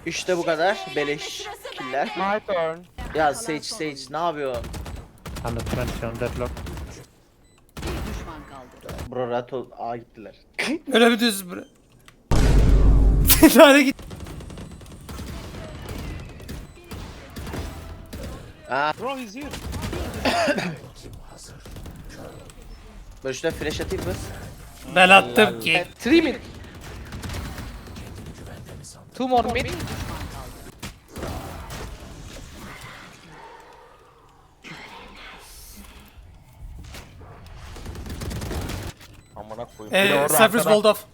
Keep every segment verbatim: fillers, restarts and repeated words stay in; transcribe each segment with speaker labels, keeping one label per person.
Speaker 1: İşte bu kadar beleş killer.
Speaker 2: My turn.
Speaker 1: Ya Sage Sage ne yapıyor?
Speaker 3: one twenty on deadlock.
Speaker 1: Bro rahat ol. Aa gittiler.
Speaker 4: Öyle bir düz bura. Nereye git?
Speaker 1: Aa
Speaker 2: Bro he's here.
Speaker 1: böyle şuna flash atayım mı?
Speaker 4: Ben attım ki.
Speaker 5: Three mid. Two more mid.
Speaker 2: Amına koyayım. Bir de
Speaker 4: Eee
Speaker 2: orada
Speaker 4: Cypher's
Speaker 2: arkada-
Speaker 4: walled off.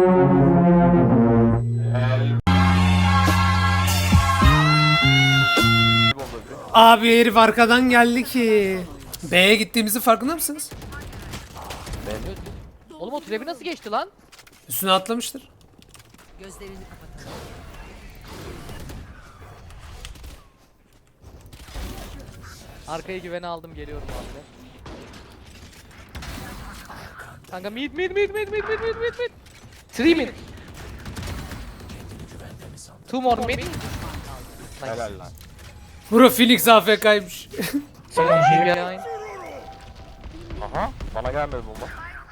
Speaker 4: Abi herif arkadan geldi ki. B'ye gittiğimizi farkında mısınız?
Speaker 5: Oğlum o trebi nasıl geçti lan?
Speaker 4: Üstüne atlamıştır.
Speaker 6: Gözlerini kapatalım.
Speaker 5: Arkaya güvene aldım, geliyorum abi. Kanka mid mid mid mid mid mid mid mid mid. Three mid. Two more mid.
Speaker 2: Helal lan.
Speaker 4: Bro Phoenix A F K'ymış.
Speaker 5: Behind.
Speaker 2: Aha. Bana gelmedi bomba.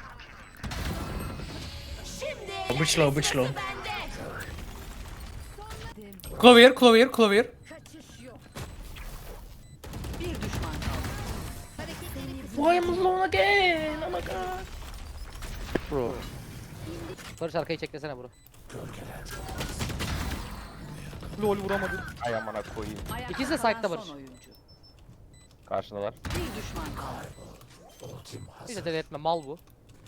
Speaker 7: Bıçlo bıçlo.
Speaker 4: Clover, Clover, Clover.
Speaker 6: Bir düşman kaldı.
Speaker 7: Why am I alone again? Oh my god.
Speaker 1: Bro.
Speaker 5: Barış arkayı çeklesene bro. Lol vuramadım.
Speaker 2: Ay amına koyayım.
Speaker 6: Ayakta
Speaker 5: İkisi de
Speaker 6: kalan
Speaker 5: side'da
Speaker 6: son
Speaker 5: Barış.
Speaker 6: oyuncu.
Speaker 2: Karşındalar.
Speaker 6: Bir düşman kaldı.
Speaker 5: Hiç de deli etme, mal bu.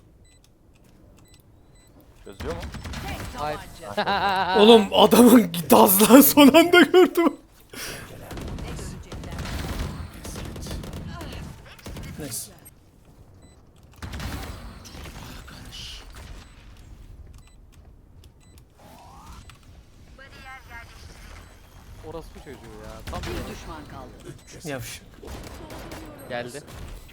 Speaker 2: Çözüyor mu?
Speaker 5: Hayır.
Speaker 4: Oğlum adamın gazla son anda gördüm. Neyse.
Speaker 5: Orası bu çocuğu ya. Tam
Speaker 6: Bir düşman kaldı.
Speaker 4: Yavş.
Speaker 5: geldi.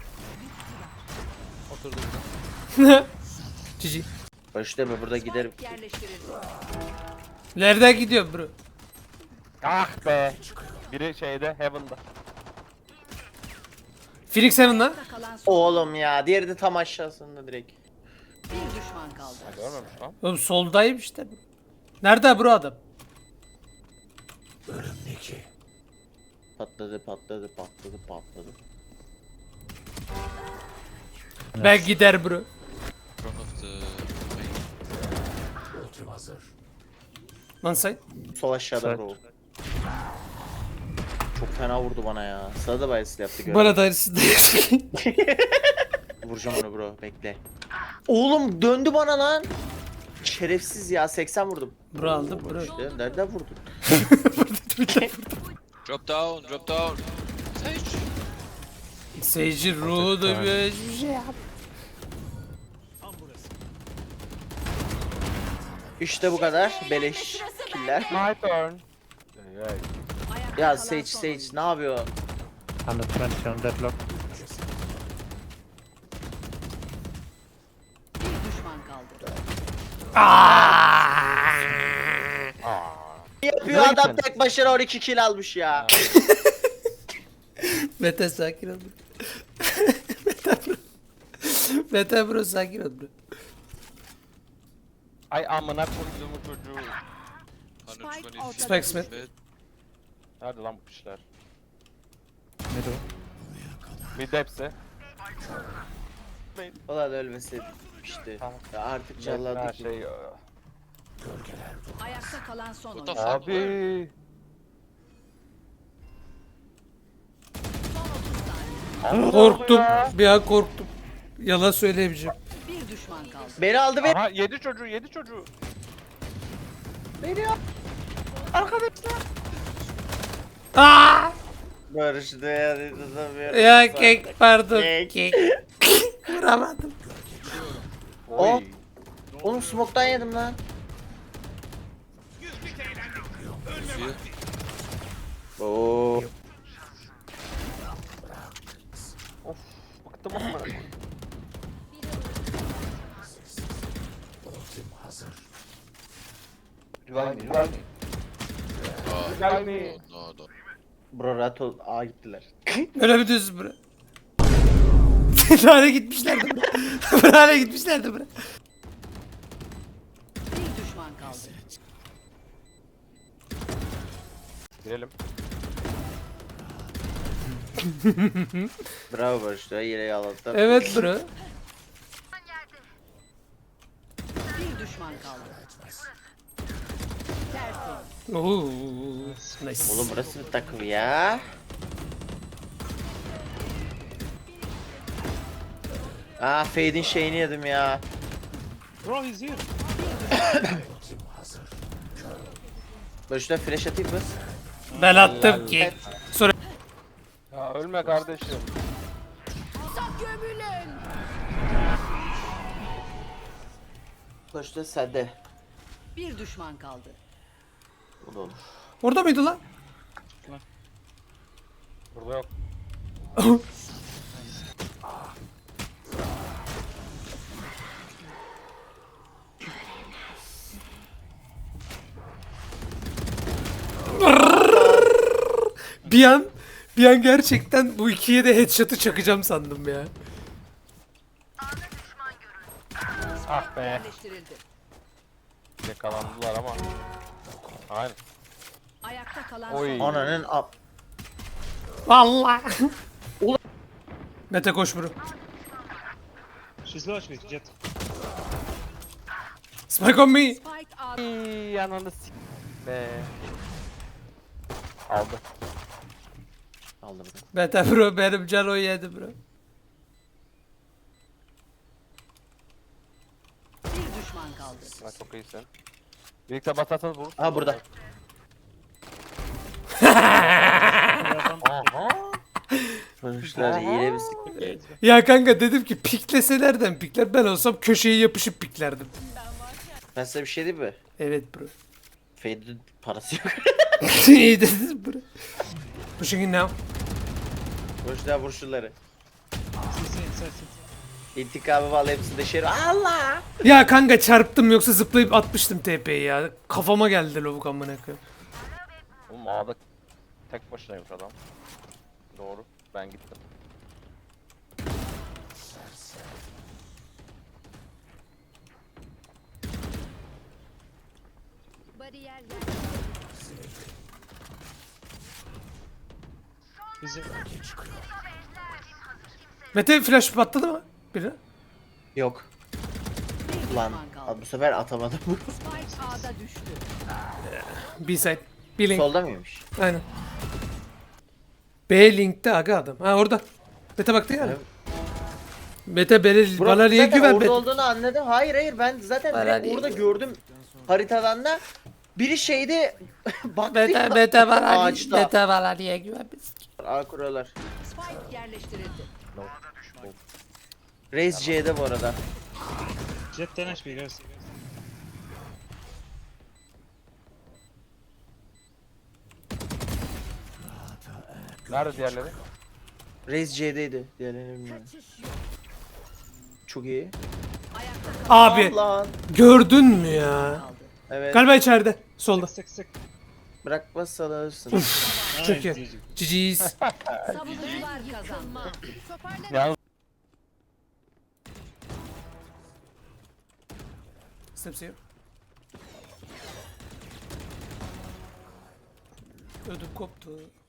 Speaker 5: Oturdu burada.
Speaker 4: Cici.
Speaker 1: Barış deme burada giderim.
Speaker 6: Yerleştirildi.
Speaker 4: Nereden gidiyor bro?
Speaker 2: Ah be. Biri şeyde Heaven'da.
Speaker 4: Phoenix Heaven'la.
Speaker 6: Ayakta kalan son.
Speaker 1: Oğlum ya diğeri de tam aşağısında direkt.
Speaker 6: Bir düşman kaldı.
Speaker 2: Ha, görmemiş lan.
Speaker 4: Oğlum soldayım işte. Nerede bro adam?
Speaker 1: Patladı patladı patladı patladı.
Speaker 4: Ben gider bro. One side.
Speaker 1: Sol aşağıda
Speaker 3: Side.
Speaker 1: bro. Çok fena vurdu bana ya. Sana da bayısıyla yaptı göre.
Speaker 4: Bana da aynısı da
Speaker 1: Vuracağım onu bro bekle. Oğlum döndü bana lan. Şerefsiz ya seksen vurdum.
Speaker 4: Bro aldım bro.
Speaker 1: İşte nereden vurdun?
Speaker 8: Drop down, drop down. Sage.
Speaker 4: Seyirci ruhu da bir hiçbir şey yap.
Speaker 1: İşte bu kadar beleş killer.
Speaker 2: My turn. Ey, ey.
Speaker 6: Ayakta
Speaker 1: Ya
Speaker 6: kalan
Speaker 1: Sage
Speaker 6: son
Speaker 1: Sage
Speaker 6: oyuncu.
Speaker 1: ne yapıyor?
Speaker 3: one twenty on deadlock.
Speaker 6: Bir düşman kaldı.
Speaker 1: Ne yapıyor adam tek başına on iki kill almış ya.
Speaker 4: Mete sakin ol bro. Mete bro. Mete bro sakin ol bro.
Speaker 2: Ay amına koyduğumu çocuğu.
Speaker 8: one twenty.
Speaker 4: Spike Smith.
Speaker 8: Mid.
Speaker 2: Nerede lan bu pişler?
Speaker 3: Middle.
Speaker 2: Mid hepsi.
Speaker 1: Ulan ölmeseydim işte.
Speaker 2: Tamam.
Speaker 1: Ya artık
Speaker 2: Her
Speaker 1: calladık.
Speaker 2: şey.
Speaker 6: Ayakta kalan son
Speaker 8: What the
Speaker 6: oyuncu.
Speaker 8: fuck?
Speaker 2: Abi.
Speaker 6: Son otuz saniye.
Speaker 4: Korktum. Bir an korktum. Yalan söyleyemeyeceğim.
Speaker 6: Bir düşman kaldı.
Speaker 1: Beni aldı ve
Speaker 2: Aha yedi çocuğu yedi çocuğu.
Speaker 4: Aa!
Speaker 1: barıştı ya. tutamıyorum.
Speaker 4: Ya kek pardon.
Speaker 1: Kek.
Speaker 4: Kek. Vuramadım.
Speaker 1: Oh.
Speaker 2: Oy.
Speaker 1: Oğlum smoke'tan yedim lan.
Speaker 8: Fear.
Speaker 1: Oo.
Speaker 2: Of. Bıktım amına koyayım. Güvenli güvenli. Gel mi?
Speaker 8: No, no.
Speaker 1: Bro rahat ol. Aa gittiler.
Speaker 4: Öyle bir düz bura. Buraya gitmişlerdi bura. Buraya gitmişlerdi bura.
Speaker 6: Bir düşman kaldı.
Speaker 2: Girelim.
Speaker 1: Bravo Barış da yine yalattı.
Speaker 4: Evet bura.
Speaker 6: Bir düşman kaldı. Tertemiz.
Speaker 4: Oo, nice.
Speaker 1: Oğlum burası bir takım ya. Aa Fade'in şeyini yedim ya.
Speaker 5: Bro, he's here.
Speaker 1: Barış'ta flash atayım mı?
Speaker 4: Ben attım ki. Sonra
Speaker 2: Ya ölme kardeşim.
Speaker 1: Barış'ta sende.
Speaker 6: Bir düşman kaldı.
Speaker 1: Bu da olur.
Speaker 4: orada mıydı lan?
Speaker 2: Burada yok.
Speaker 4: Bir an bir an gerçekten bu ikiye de headshot'ı çakacağım sandım ya.
Speaker 2: Ah be.
Speaker 6: Yerleştirildi.
Speaker 2: Yakalandılar ama. Aynen.
Speaker 6: Ayakta kalan
Speaker 2: Oy.
Speaker 6: son.
Speaker 1: Ananın ap.
Speaker 4: Vallahi. Mete koş bro.
Speaker 5: She's low H P, Jet.
Speaker 4: Spike on me.
Speaker 6: Spike out.
Speaker 2: İyi ananı s*** be. Aldı.
Speaker 1: Aldım bunu.
Speaker 4: Mete bro benim cano yedi bro.
Speaker 6: Bir düşman kaldı.
Speaker 2: Ha, çok iyisin. Birlikte basarsanız vurursun.
Speaker 1: Aha burada.
Speaker 2: Aha.
Speaker 1: Barışlar yine bir siktir.
Speaker 4: Ya kanka dedim ki piklese nereden pikler? Ben olsam köşeye yapışıp piklerdim.
Speaker 1: Ben size bir şey diyeyim mi?
Speaker 4: Evet bro.
Speaker 1: Fade'in parası yok.
Speaker 4: İyi dedin bro. Pushing in now.
Speaker 1: Barışlar vur şunları.
Speaker 5: Inside, inside.
Speaker 1: İntikamı vallahi hepsini de şer. Allah!
Speaker 4: Ya kanka çarptım yoksa zıplayıp atmıştım T P'yi ya. Kafama geldi lavuk amına koyayım.
Speaker 2: Oğlum A'da tek başınaymış adam. Doğru. Ben gittim.
Speaker 6: Bariyer
Speaker 5: He's here.
Speaker 4: Mete flash patladı mı? Biri.
Speaker 1: Yok.
Speaker 6: bir
Speaker 1: Lan
Speaker 6: düşman kaldı.
Speaker 1: bu sefer atamadım.
Speaker 6: Spike A'da düştü.
Speaker 4: B side. B link.
Speaker 1: Solda mıymış?
Speaker 4: Aynen. B linkte aga adam. Ha orada. Mete baktı yani.
Speaker 1: Evet.
Speaker 4: Mete beni,
Speaker 1: Bro,
Speaker 4: bana niye
Speaker 1: zaten
Speaker 4: güven
Speaker 1: orada
Speaker 4: Mete?
Speaker 1: olduğunu anladım. Hayır hayır ben zaten
Speaker 4: Bana
Speaker 1: direkt
Speaker 4: niye
Speaker 1: orada
Speaker 4: güven?
Speaker 1: gördüm haritadan da biri şeyde baktı
Speaker 4: Mete,
Speaker 1: ya,
Speaker 4: Mete bana,
Speaker 1: ağaçta.
Speaker 4: Mete bana niye güvenmesin ki?
Speaker 1: Aa kuruyorlar.
Speaker 6: Spike yerleştirildi.
Speaker 1: Raze C'de bu arada.
Speaker 5: Jet ten H P, guys.
Speaker 2: Nerede diğerleri?
Speaker 1: Raze C'deydi. Diğerlerini bilmiyorum. Çok iyi.
Speaker 6: Ayakta kalan
Speaker 4: Abi
Speaker 1: Lan.
Speaker 4: gördün mü ya?
Speaker 6: kaldı.
Speaker 1: Evet.
Speaker 4: Galiba içeride. Solda.
Speaker 5: Sick, sick.
Speaker 1: Bırakmazsan alırsın.
Speaker 4: Çok
Speaker 5: Nice,
Speaker 4: iyi.
Speaker 5: G G.
Speaker 4: G G's.
Speaker 6: Savunucular kazandı.
Speaker 2: Yalnız
Speaker 4: Steps here. Ödüm koptu.